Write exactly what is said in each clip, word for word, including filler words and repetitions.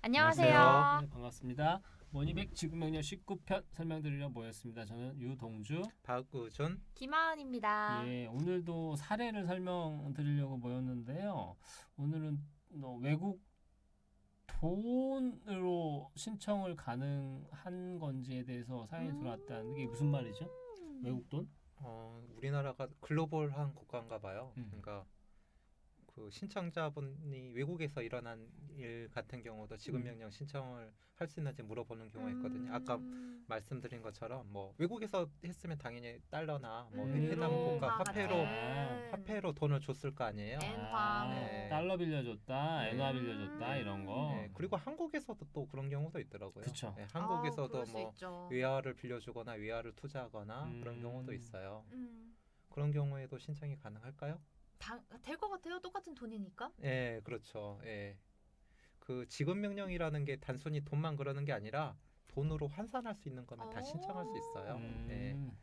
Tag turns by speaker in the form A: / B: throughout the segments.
A: 안녕하세요.
B: 안녕하세요.
C: 네, 반갑습니다. 원이백 지구명령 십구 편 설명드리려 모였습니다. 저는 유동주.
B: 박우준.
A: 김하은입니다.
C: 예, 오늘도 사례를 설명드리려고 모였는데요. 오늘은 어, 외국 돈으로 신청을 가능한 건지에 대해서 사연이 들어왔다는 게 무슨 말이죠? 외국 돈?
B: 어, 우리나라가 글로벌한 국가인가 봐요.
C: 음.
B: 그러니까 그 신청자분이 외국에서 일어난 일 같은 경우도 지급 명령 신청을 할 수 있는지 물어보는 경우가 있거든요. 아까
A: 음.
B: 말씀드린 것처럼 뭐 외국에서 했으면 당연히 달러나 뭐
A: 음,
B: 해당
C: 유로,
B: 국가
A: 같은.
B: 화폐로
C: 아,
B: 화폐로 돈을 줬을 거 아니에요.
A: 엔화.
B: 네.
C: 달러 빌려줬다,
B: 네.
C: 엔화 빌려줬다 이런 거.
B: 네, 그리고 한국에서도 또 그런 경우도 있더라고요.
C: 그쵸.
B: 네,
A: 아,
B: 한국에서도
A: 그럴 수
B: 뭐
A: 있죠.
B: 외화를 빌려주거나 외화를 투자하거나
C: 음.
B: 그런 경우도 있어요.
A: 음.
B: 그런 경우에도 신청이 가능할까요?
A: 될 것 같아요. 똑같은 돈이니까.
B: 예, 그렇죠. 예. 그 지급 명령이라는 게 단순히 돈만 그러는 게 아니라 돈으로 환산할 수 있는 거면 다
A: 오.
B: 신청할 수 있어요.
C: 음.
B: 예.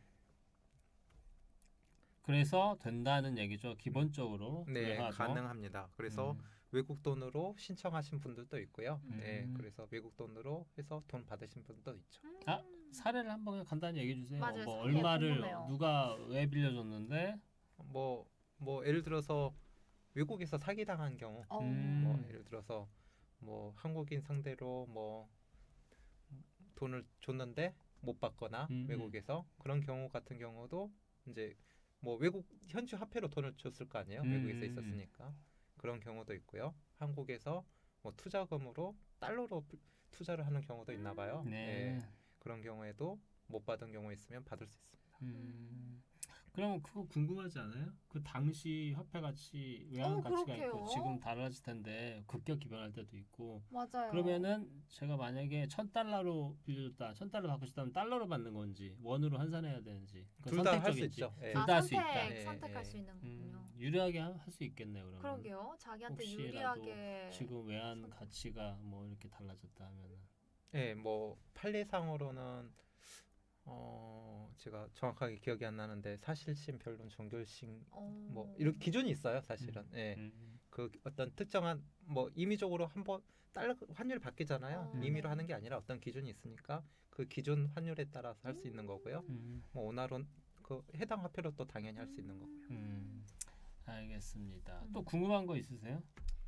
C: 그래서 된다는 얘기죠. 기본적으로.
B: 네,
C: 외화도.
B: 가능합니다. 그래서
C: 음.
B: 외국 돈으로 신청하신 분들도 있고요.
A: 음.
B: 예, 그래서 외국 돈으로 해서 돈 받으신 분도 있죠.
A: 음.
C: 아, 사례를 한번 그냥 간단히 얘기해 주세요.
A: 맞아요.
C: 뭐
A: 사례
C: 얼마를
A: 궁금해요.
C: 누가 왜 빌려줬는데
B: 뭐, 뭐 예를 들어서 외국에서 사기 당한 경우,
A: 어.
C: 음.
B: 뭐 예를 들어서 뭐 한국인 상대로 뭐 돈을 줬는데 못 받거나
C: 음.
B: 외국에서 그런 경우 같은 경우도 이제 뭐 외국 현지 화폐로 돈을 줬을 거 아니에요.
C: 음.
B: 외국에서 있었으니까 그런 경우도 있고요. 한국에서 뭐 투자금으로 달러로 투자를 하는 경우도 있나 봐요.
C: 네.
B: 예, 그런 경우에도 못 받은 경우 있으면 받을 수 있습니다.
C: 음. 그럼 그거 궁금하지 않아요? 그 당시 화폐 가치 외환
A: 어,
C: 가치가
A: 그렇게요?
C: 있고 지금 달라질 텐데 급격히 변할 때도 있고
A: 맞아요.
C: 그러면은 제가 만약에 천 달러로 빌려줬다, 천 달러 받고 싶다면 달러로 받는 건지 원으로 환산해야 되는지
B: 둘 다 할 수 있죠. 예.
C: 둘
A: 아,
C: 다 할 수
A: 선택,
C: 있다.
B: 예,
A: 선택할
B: 예.
A: 수 있는군요.
C: 음, 유리하게 할 수 있겠네요. 그러면.
A: 그러게요. 자기한테
C: 혹시라도
A: 유리하게
C: 지금 외환
A: 선택.
C: 가치가 뭐 이렇게 달라졌다 하면은
B: 예, 뭐 판례상으로는 어 제가 정확하게 기억이 안 나는데 사실심, 변론, 종결심
A: 어.
B: 뭐 이런 기준이 있어요, 사실은.
C: 음.
B: 예.
C: 음.
B: 그 어떤 특정한 뭐 임의적으로 한번 달러 환율 바뀌잖아요.
A: 어,
B: 임의로
A: 네.
B: 하는 게 아니라 어떤 기준이 있으니까 그 기준 환율에 따라서 할 수 있는 거고요.
C: 음.
B: 뭐 원화론 그 해당 화폐로 또 당연히 할 수 있는 거고요.
C: 음. 알겠습니다.
A: 음.
C: 또 궁금한 거 있으세요?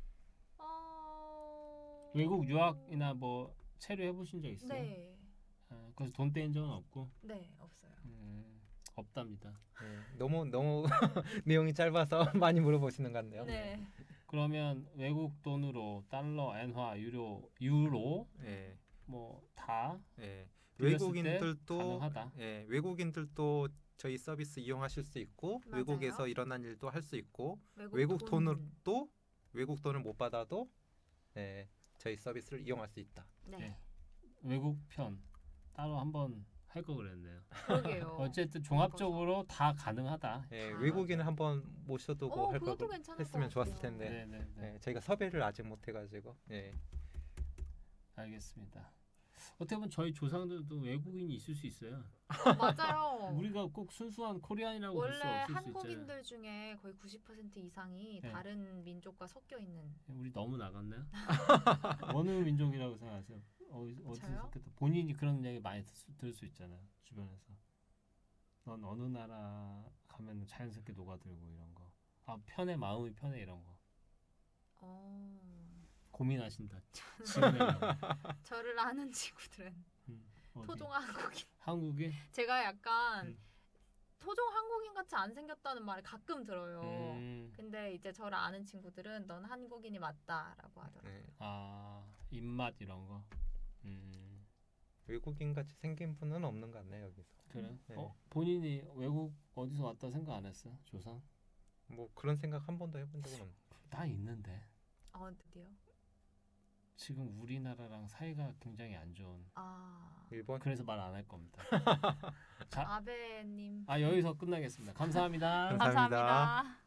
A: 어...
C: 외국 유학이나 뭐 체류해 보신 적 있어요?
A: 네.
C: 아, 그래서 돈 떼인 적은 없고
A: 네, 없어요.
C: 음, 없답니다.
B: 예. 너무 너무 내용이 짧아서 많이 물어보시는 것 같네요.
A: 네.
C: 그러면 외국 돈으로 달러, 엔화, 유로, 유로
B: 예.
C: 뭐 다
B: 예.
C: 빌렸을 때
B: 외국인들도
C: 가능하다.
B: 예, 외국인들도 저희 서비스 이용하실 수 있고
A: 맞아요.
B: 외국에서 일어난 일도 할 수 있고
A: 외국,
B: 외국
A: 돈.
B: 돈으로 외국 돈을 못 받아도 예, 저희 서비스를 이용할 수 있다.
A: 네.
C: 네. 외국 편 따로 한번 할 거 그랬네요.
A: 그러게요.
C: 어쨌든 종합적으로 다 가능하다.
B: 예,
A: 아,
B: 외국인을 한번 모셔두고
A: 어,
B: 할
A: 그것도
B: 걸
A: 괜찮을
B: 했으면
A: 것
B: 좋았을
A: 같아요.
B: 텐데
C: 네, 네, 네.
B: 예, 저희가 섭외를 아직 못 해가지고 예.
C: 알겠습니다. 어떻게 보면 저희 조상들도 외국인이 있을 수 있어요.
A: 맞아요.
C: 우리가 꼭 순수한 코리안이라고 볼 수
A: 원래
C: 없을 수 있잖아요.
A: 한국인들 중에 거의 구십 퍼센트 이상이
C: 네.
A: 다른 민족과 섞여 있는.
C: 우리 너무 나갔나요? 어느 민족이라고 생각하세요? 어디, 어디서
A: 저요?
C: 섞였다? 본인이 그런 얘기 많이 들, 들을 수 있잖아요. 주변에서. 넌 어느 나라 가면 자연스럽게 녹아들고 이런 거. 아 편해 마음이 편해 이런 거.
A: 어...
C: 고민하신다. 지금의
A: 저를 아는 친구들은
C: 음, 어디?
A: 토종 한국인.
C: 한국인?
A: 제가 약간
C: 음.
A: 토종 한국인 같이 안 생겼다는 말을 가끔 들어요.
C: 음,
A: 근데 이제 저를 아는 친구들은 넌 한국인이 맞다라고 하더라고요.
B: 예.
C: 아 입맛 이런 거. 음,
B: 외국인 같이 생긴 분은 없는 것 같네요 여기서.
C: 그래.
B: 네.
C: 어 본인이 외국 어디서 왔다 생각 안 했어? 조상?
B: 뭐 그런 생각 한 번도 해본 적은 없네요.
C: 나 있는데.
A: 어, 드디어.
C: 지금 우리나라랑 사이가 굉장히 안 좋은.
A: 아,
B: 일본
C: 그래서 말 안 할 겁니다. 자,
A: 아베님.
C: 아 여기서 끝나겠습니다. 감사합니다.
B: 감사합니다.
A: 감사합니다.